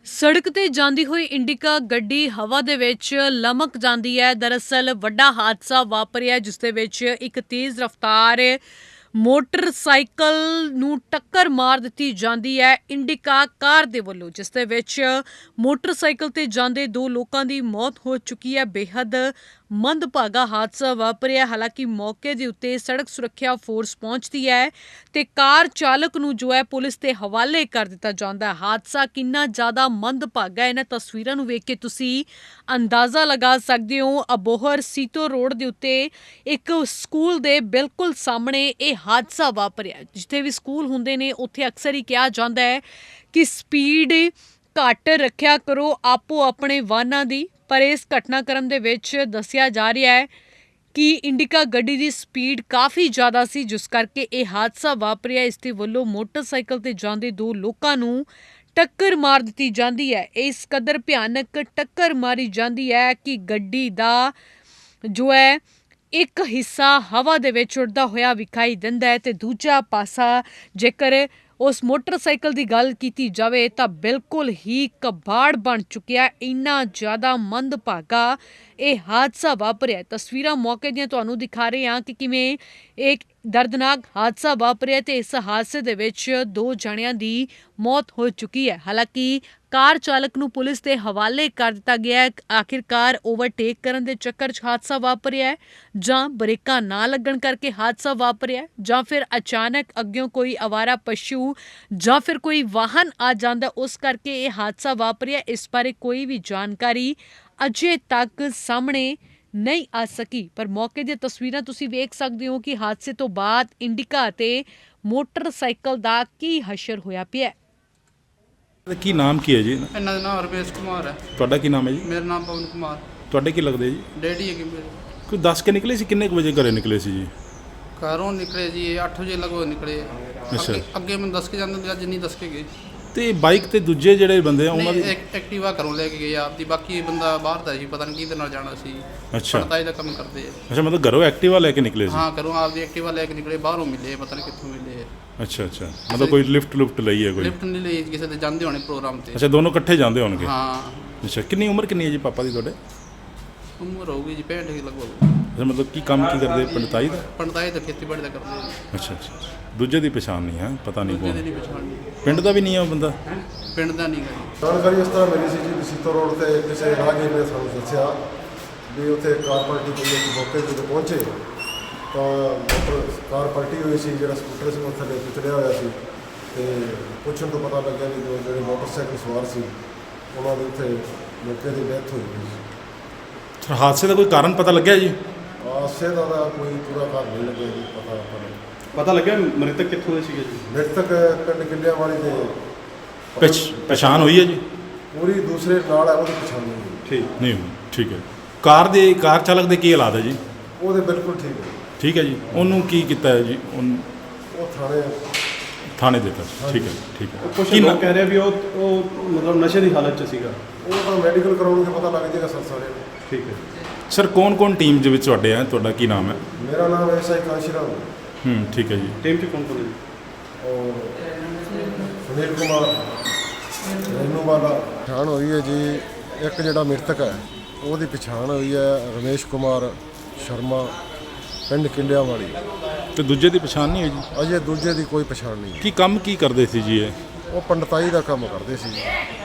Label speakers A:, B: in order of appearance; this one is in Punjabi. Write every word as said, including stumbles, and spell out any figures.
A: ਸੜਕ ਤੇ ਜਾਂਦੀ ਹੋਈ ਇੰਡੀਕਾ ਗੱਡੀ ਹਵਾ ਦੇ ਵਿੱਚ ਲਮਕ ਜਾਂਦੀ ਹੈ। ਦਰਅਸਲ ਵੱਡਾ ਹਾਦਸਾ ਵਾਪਰਿਆ ਜਿਸ ਦੇ ਵਿੱਚ ਇੱਕ ਤੇਜ਼ ਰਫ਼ਤਾਰ ਮੋਟਰਸਾਈਕਲ ਨੂੰ ਟੱਕਰ ਮਾਰ ਦਿੱਤੀ ਜਾਂਦੀ ਹੈ ਇੰਡੀਕਾ ਕਾਰ ਦੇ ਵੱਲੋਂ, ਜਿਸ ਦੇ ਵਿੱਚ ਮੋਟਰਸਾਈਕਲ ਤੇ ਜਾਂਦੇ ਦੋ ਲੋਕਾਂ ਦੀ ਮੌਤ ਹੋ ਚੁੱਕੀ ਹੈ। ਬੇਹੱਦ ਮੰਦਭਾਗਾ ਹਾਦਸਾ ਵਾਪਰਿਆ। ਹਾਲਾਂਕਿ ਮੌਕੇ ਦੇ ਉੱਤੇ ਸੜਕ ਸੁਰੱਖਿਆ ਫੋਰਸ ਪਹੁੰਚਦੀ ਹੈ ਤੇ ਕਾਰ ਚਾਲਕ ਨੂੰ ਜੋ ਹੈ ਪੁਲਿਸ ਦੇ ਹਵਾਲੇ ਕਰ ਦਿੱਤਾ ਜਾਂਦਾ ਹੈ। ਹਾਦਸਾ ਕਿੰਨਾ ਜ਼ਿਆਦਾ ਮੰਦਭਾਗਾ ਹੈ, ਇਹਨਾਂ ਤਸਵੀਰਾਂ ਨੂੰ ਵੇਖ ਕੇ ਤੁਸੀਂ ਅੰਦਾਜ਼ਾ ਲਗਾ ਸਕਦੇ ਹੋ। ਅਬੋਹਰ ਸੀਤੋ ਰੋਡ ਦੇ ਉੱਤੇ ਇੱਕ ਸਕੂਲ ਦੇ ਬਿਲਕੁਲ ਸਾਹਮਣੇ ਇਹ ਹਾਦਸਾ ਵਾਪਰਿਆ। ਜਿੱਥੇ ਵੀ ਸਕੂਲ ਹੁੰਦੇ ਨੇ ਉੱਥੇ ਅਕਸਰ ਹੀ ਕਿਹਾ ਜਾਂਦਾ ਹੈ ਕਿ ਸਪੀਡ ਘੱਟ ਰੱਖਿਆ ਕਰੋ ਆਪੋ ਆਪਣੇ ਵਾਹਨਾਂ ਦੀ, ਪਰ ਇਸ ਘਟਨਾਕ੍ਰਮ ਦੇ ਵਿੱਚ ਦੱਸਿਆ ਜਾ ਰਿਹਾ ਹੈ ਕਿ ਇੰਡੀਕਾ ਗੱਡੀ ਦੀ ਸਪੀਡ ਕਾਫੀ ਜ਼ਿਆਦਾ ਸੀ, ਜਿਸ ਕਰਕੇ ਇਹ ਹਾਦਸਾ ਵਾਪਰਿਆ। ਇਸ ਦੇ ਵੱਲੋਂ ਮੋਟਰਸਾਈਕਲ ਤੇ ਜਾਂਦੇ ਦੋ ਲੋਕਾਂ ਨੂੰ ਟੱਕਰ ਮਾਰ ਦਿੱਤੀ ਜਾਂਦੀ ਹੈ। ਇਸ ਕਦਰ ਭਿਆਨਕ ਟੱਕਰ ਮਾਰੀ ਜਾਂਦੀ ਹੈ ਕਿ ਗੱਡੀ ਦਾ ਜੋ ਹੈ ਇੱਕ ਹਿੱਸਾ ਹਵਾ ਦੇ ਵਿੱਚ ਉੱਡਦਾ ਹੋਇਆ ਵਿਖਾਈ ਦਿੰਦਾ ਹੈ ਤੇ ਦੂਜਾ ਪਾਸਾ ਜੇਕਰ ਉਸ ਮੋਟਰਸਾਈਕਲ ਦੀ ਗੱਲ ਕੀਤੀ ਜਾਵੇ ਤਾਂ ਬਿਲਕੁਲ ਹੀ ਕਬਾੜ ਬਣ ਚੁੱਕਿਆ। ਇੰਨਾ ਜ਼ਿਆਦਾ ਮੰਦਭਾਗਾ ਇਹ ਹਾਦਸਾ ਵਾਪਰਿਆ। ਤਸਵੀਰਾਂ ਮੌਕੇ ਦੀਆਂ ਤੁਹਾਨੂੰ ਦਿਖਾ ਰਹੇ ਹਾਂ ਕਿ ਕਿਵੇਂ ਇੱਕ ਦਰਦਨਾਕ ਹਾਦਸਾ ਵਾਪਰਿਆ ਤੇ ਇਸ ਹਾਦਸੇ ਦੇ ਵਿੱਚ ਦੋ ਜਣਿਆਂ ਦੀ ਮੌਤ ਹੋ ਚੁੱਕੀ ਹੈ। ਹਾਲਾਂਕਿ ਕਾਰ ਚਾਲਕ ਨੂੰ ਪੁਲਿਸ ਦੇ ਹਵਾਲੇ ਕਰ ਦਿੱਤਾ ਗਿਆ ਹੈ। ਆਖਿਰਕਾਰ ਓਵਰਟੇਕ ਕਰਨ ਦੇ ਚੱਕਰ 'ਚ ਹਾਦਸਾ ਵਾਪਰਿਆ ਜਾਂ ਬ੍ਰੇਕਾਂ ਨਾ ਲੱਗਣ ਕਰਕੇ ਹਾਦਸਾ ਵਾਪਰਿਆ ਜਾਂ ਫਿਰ ਅਚਾਨਕ ਅੱਗਿਓਂ ਕੋਈ ਅਵਾਰਾ ਪਸ਼ੂ ਜਾਂ ਫਿਰ ਕੋਈ ਵਾਹਨ ਆ ਜਾਂਦਾ ਉਸ ਕਰਕੇ ਇਹ ਹਾਦਸਾ ਵਾਪਰਿਆ। ਇਸ ਬਾਰੇ ਕੋਈ ਵੀ ਜਾਣਕਾਰੀ ਅਜੇ ਤੱਕ ਸਾਹਮਣੇ ਨਹੀਂ ਆ ਸਕੀ, ਪਰ ਮੌਕੇ ਦੀਆਂ ਤਸਵੀਰਾਂ ਤੁਸੀਂ ਵੇਖ ਸਕਦੇ ਹੋ ਕਿ ਹਾਦਸੇ ਤੋਂ ਬਾਅਦ ਇੰਡੀਕਾ ਤੇ ਮੋਟਰਸਾਈਕਲ ਦਾ ਕੀ ਹਸ਼ਰ ਹੋਇਆ ਪਿਆ।
B: ਕੀ ਨਾਮ ਕੀ ਹੈ ਜੀ?
C: ਇਹਨਾਂ ਦਾ ਨਾਮ ਰਮੇਸ਼ ਕੁਮਾਰ ਹੈ।
B: ਤੁਹਾਡਾ ਕੀ ਨਾਮ ਹੈ ਜੀ?
C: ਮੇਰਾ ਨਾਮ ਪਵਨ ਕੁਮਾਰ।
B: ਤੁਹਾਡੇ ਕੀ ਲੱਗਦੇ ਜੀ?
C: ਡੈਡੀ ਹੈਗੇ ਮੇਰੇ।
B: ਕੋਈ ਦੱਸ ਕੇ ਨਿਕਲੇ ਸੀ? ਕਿੰਨੇ ਕੁ ਵਜੇ ਘਰੇ ਨਿਕਲੇ ਸੀ ਜੀ?
C: ਘਰੋਂ ਨਿਕਲੇ ਜੀ ਅੱਠ ਵਜੇ ਲਗਭਗ ਨਿਕਲੇ।
B: ਅੱਛਾ।
C: ਅੱਗੇ ਅੱਗੇ ਮੈਨੂੰ ਦੱਸ ਕੇ ਜਾਂਦੇ, ਅੱਜ ਨਹੀਂ ਦੱਸ ਕੇ ਗਏ।
B: ਤੇ ਬਾਈਕ ਤੇ ਦੂਜੇ ਜਿਹੜੇ ਬੰਦੇ ਆ ਉਹਨਾਂ ਦੀ
C: ਇੱਕ ਐਕਟਿਵਾ ਘਰੋਂ ਲੈ ਕੇ ਗਏ ਆਪਦੀ, ਬਾਕੀ ਬੰਦਾ ਬਾਹਰ ਦਾ ਸੀ, ਪਤਾ ਨਹੀਂ ਕਿਹਦੇ ਨਾਲ ਜਾਣਾ ਸੀ।
B: ਅੱਛਾ।
C: ਪੜਤਾਈ ਦਾ ਕੰਮ ਕਰਦੇ ਆ।
B: ਅੱਛਾ, ਮਤਲਬ ਘਰੋਂ ਐਕਟਿਵਾ ਲੈ ਕੇ ਨਿਕਲੇ ਸੀ?
C: ਹਾਂ, ਘਰੋਂ ਆਪਦੀ ਐਕਟਿਵਾ ਲੈ ਕੇ ਨਿਕਲੇ, ਬਾਹਰੋਂ ਮਿਲੇ, ਪਤਾ ਨਹੀਂ ਕਿੱਥੋਂ ਮਿਲੇ।
B: ਅੱਛਾ ਅੱਛਾ, ਮਤਲਬ ਕੋਈ ਲਿਫਟ ਲੁਫਟ ਲਈ ਹੈ ਕੋਈ?
C: ਲਿਫਟ ਨਹੀਂ ਲਈ, ਕਿਸੇ ਦੇ ਜਾਂਦੇ ਹੋਣੇ ਪ੍ਰੋਗਰਾਮ ਤੇ।
B: ਅੱਛਾ, ਦੋਨੋਂ ਇਕੱਠੇ ਜਾਂਦੇ ਹੋਣਗੇ?
C: ਹਾਂ।
B: ਅੱਛਾ, ਕਿੰਨੀ ਉਮਰ ਕਿੰਨੀ ਹੈ ਜੀ ਪਾਪਾ ਦੀ ਤੁਹਾਡੇ?
C: ਉਮਰ ਹੋਊਗੀ ਜੀ ਪੈਂਹਠ ਦੀ ਲਗਭਗ।
B: ਅੱਛਾ, ਮਤਲਬ ਕੀ ਕੰਮ ਕੀ ਕਰਦੇ? ਪੰਡਤਾਈ ਦਾ?
C: ਪੰਡਤਾਈ ਦਾ, ਖੇਤੀਬਾੜੀ ਦਾ ਕਰਦੇ ਆ।
B: ਅੱਛਾ ਅੱਛਾ, ਦੂਜੇ ਦੀ ਪਛਾਣ ਨਹੀਂ ਹੈ, ਪਤਾ ਨਹੀਂ
C: ਦੂਜੇ
B: ਕੌਣ?
C: ਦੀ ਨਹੀਂ ਪਛਾਣਨੀ।
B: ਪਿੰਡ ਦਾ ਵੀ ਨਹੀਂ ਹੈ ਉਹ ਬੰਦਾ?
C: ਪਿੰਡ ਦਾ ਨਹੀਂ ਗਾ ਜੀ।
D: ਜਾਣਕਾਰੀ ਇਸ ਤਰ੍ਹਾਂ ਮਿਲੀ ਸੀ ਜੀ, ਸੀਤੋ ਰੋਡ ਤੇ ਕਿਸੇ ਰਾਹਗੀਰ ਨੇ ਸਾਨੂੰ ਦੱਸਿਆ ਵੀ ਉੱਥੇ ਕਾਰ ਪਲਟੀ ਹੋਈ ਹੈ। ਮੌਕੇ 'ਤੇ ਪਹੁੰਚੇ ਤਾਂ ਮੋਟਰ ਕਾਰ ਪਲਟੀ ਹੋਈ ਸੀ, ਜਿਹੜਾ ਸਕੂਟਰ ਸੀ ਉਹ ਥੱਲੇ ਕੁਚਲਿਆ ਹੋਇਆ ਸੀ ਤੇ ਪੁੱਛਣ ਤੋਂ ਪਤਾ ਲੱਗਿਆ ਵੀ ਜੋ ਜਿਹੜੇ ਮੋਟਰਸਾਈਕਲ ਸਵਾਰ ਸੀ ਉਹਨਾਂ ਦੇ ਉੱਥੇ ਮੌਕੇ 'ਤੇ ਡੈਥ ਹੋਈ ਹੋਈ ਸੀ।
B: ਹਾਦਸੇ ਦਾ ਕੋਈ ਕਾਰਨ ਪਤਾ ਲੱਗਿਆ ਜੀ?
D: ਹਾਦਸੇ ਦਾ ਤਾਂ ਕੋਈ ਪੂਰਾ ਕਾਰਨ ਨਹੀਂ ਲੱਗਿਆ ਜੀ, ਪਤਾ ਆਪਾਂ ਨੂੰ।
E: ਪਤਾ ਲੱਗਿਆ ਮ੍ਰਿਤਕ ਕਿੱਥੋਂ ਦੇ ਸੀਗੇ ਜੀ?
D: ਮ੍ਰਿਤਕ ਪਿੰਡ ਕਿੱਲਿਆਂ ਵਾਲੀ ਦੇ
B: ਪਛ ਪਛਾਣ ਹੋਈ ਹੈ ਜੀ?
D: ਪੂਰੀ ਦੂਸਰੇ ਨਾਲ ਹੈ, ਉਹਦੀ ਪਛਾਣ ਨਹੀਂ ਹੋਈ।
E: ਠੀਕ
B: ਨਹੀਂ ਹੋਈ, ਠੀਕ ਹੈ। ਕਾਰ ਦੇ ਕਾਰ ਚਾਲਕ ਦੇ ਕੀ ਹਾਲਾਤ ਹੈ ਜੀ?
D: ਉਹਦੇ ਬਿਲਕੁਲ ਠੀਕ ਹੈ।
B: ਠੀਕ ਹੈ ਜੀ। ਉਹਨੂੰ ਕੀ ਕੀਤਾ ਹੈ ਜੀ? ਉਹਨੂੰ
D: ਉਹ ਥਾਣੇ
B: ਥਾਣੇ ਦਿੱਤਾ? ਠੀਕ ਹੈ ਠੀਕ ਹੈ।
E: ਕੁਝ
B: ਕੀ
E: ਲੋਕ
B: ਨਾ-
E: ਕਹਿ ਰਹੇ ਵੀ ਉਹ ਉਹ ਮਤਲਬ ਨਸ਼ੇ ਦੀ ਹਾਲਤ 'ਚ ਸੀਗਾ।
D: ਉਹ ਤਾਂ ਮੈਡੀਕਲ ਕਰਾਉਣਗੇ, ਪਤਾ ਲੱਗ ਜਾਏਗਾ ਸਰ ਸਾਰੇ ਨੂੰ।
E: ਠੀਕ ਹੈ।
B: ਸਰ ਕੌਣ ਕੌਣ ਟੀਮ ਦੇ ਵਿੱਚ ਤੁਹਾਡੇ ਹੈ? ਤੁਹਾਡਾ ਕੀ ਨਾਮ ਹੈ?
D: ਮੇਰਾ ਨਾਮ ਐਸ ਆਈ ਕਾਂਸ਼ੀਰਾਮ
B: ਹੂੰ, ਠੀਕ ਹੈ ਜੀ।
E: ਟੀਮ 'ਚ ਕੌਣ ਕੌਣ ਹੈ ਜੀ?
D: ਔਰ ਸੁਨੀਲ ਕੁਮਾਰ ਰੇਨੂ ਵਾਲਾ। ਪਛਾਣ ਹੋਈ ਹੈ ਜੀ, ਇੱਕ ਜਿਹੜਾ ਮ੍ਰਿਤਕ ਹੈ ਉਹਦੀ ਪਛਾਣ ਹੋਈ ਹੈ ਰਮੇਸ਼ ਕੁਮਾਰ ਸ਼ਰਮਾ, ਪਿੰਡ ਕਿੱਲਿਆਂ ਵਾਲੀ।
B: ਤੇ ਦੂਜੇ ਦੀ ਪਛਾਣ ਨਹੀਂ ਹੋਈ ਜੀ?
D: ਅਜੇ ਦੂਜੇ ਦੀ ਕੋਈ ਪਛਾਣ ਨਹੀਂ।
B: ਕੀ ਕੰਮ ਕੀ ਕਰਦੇ ਸੀ ਜੀ ਇਹ?
D: ਉਹ ਪੰਡਤਾਈ ਦਾ ਕੰਮ ਕਰਦੇ ਸੀ।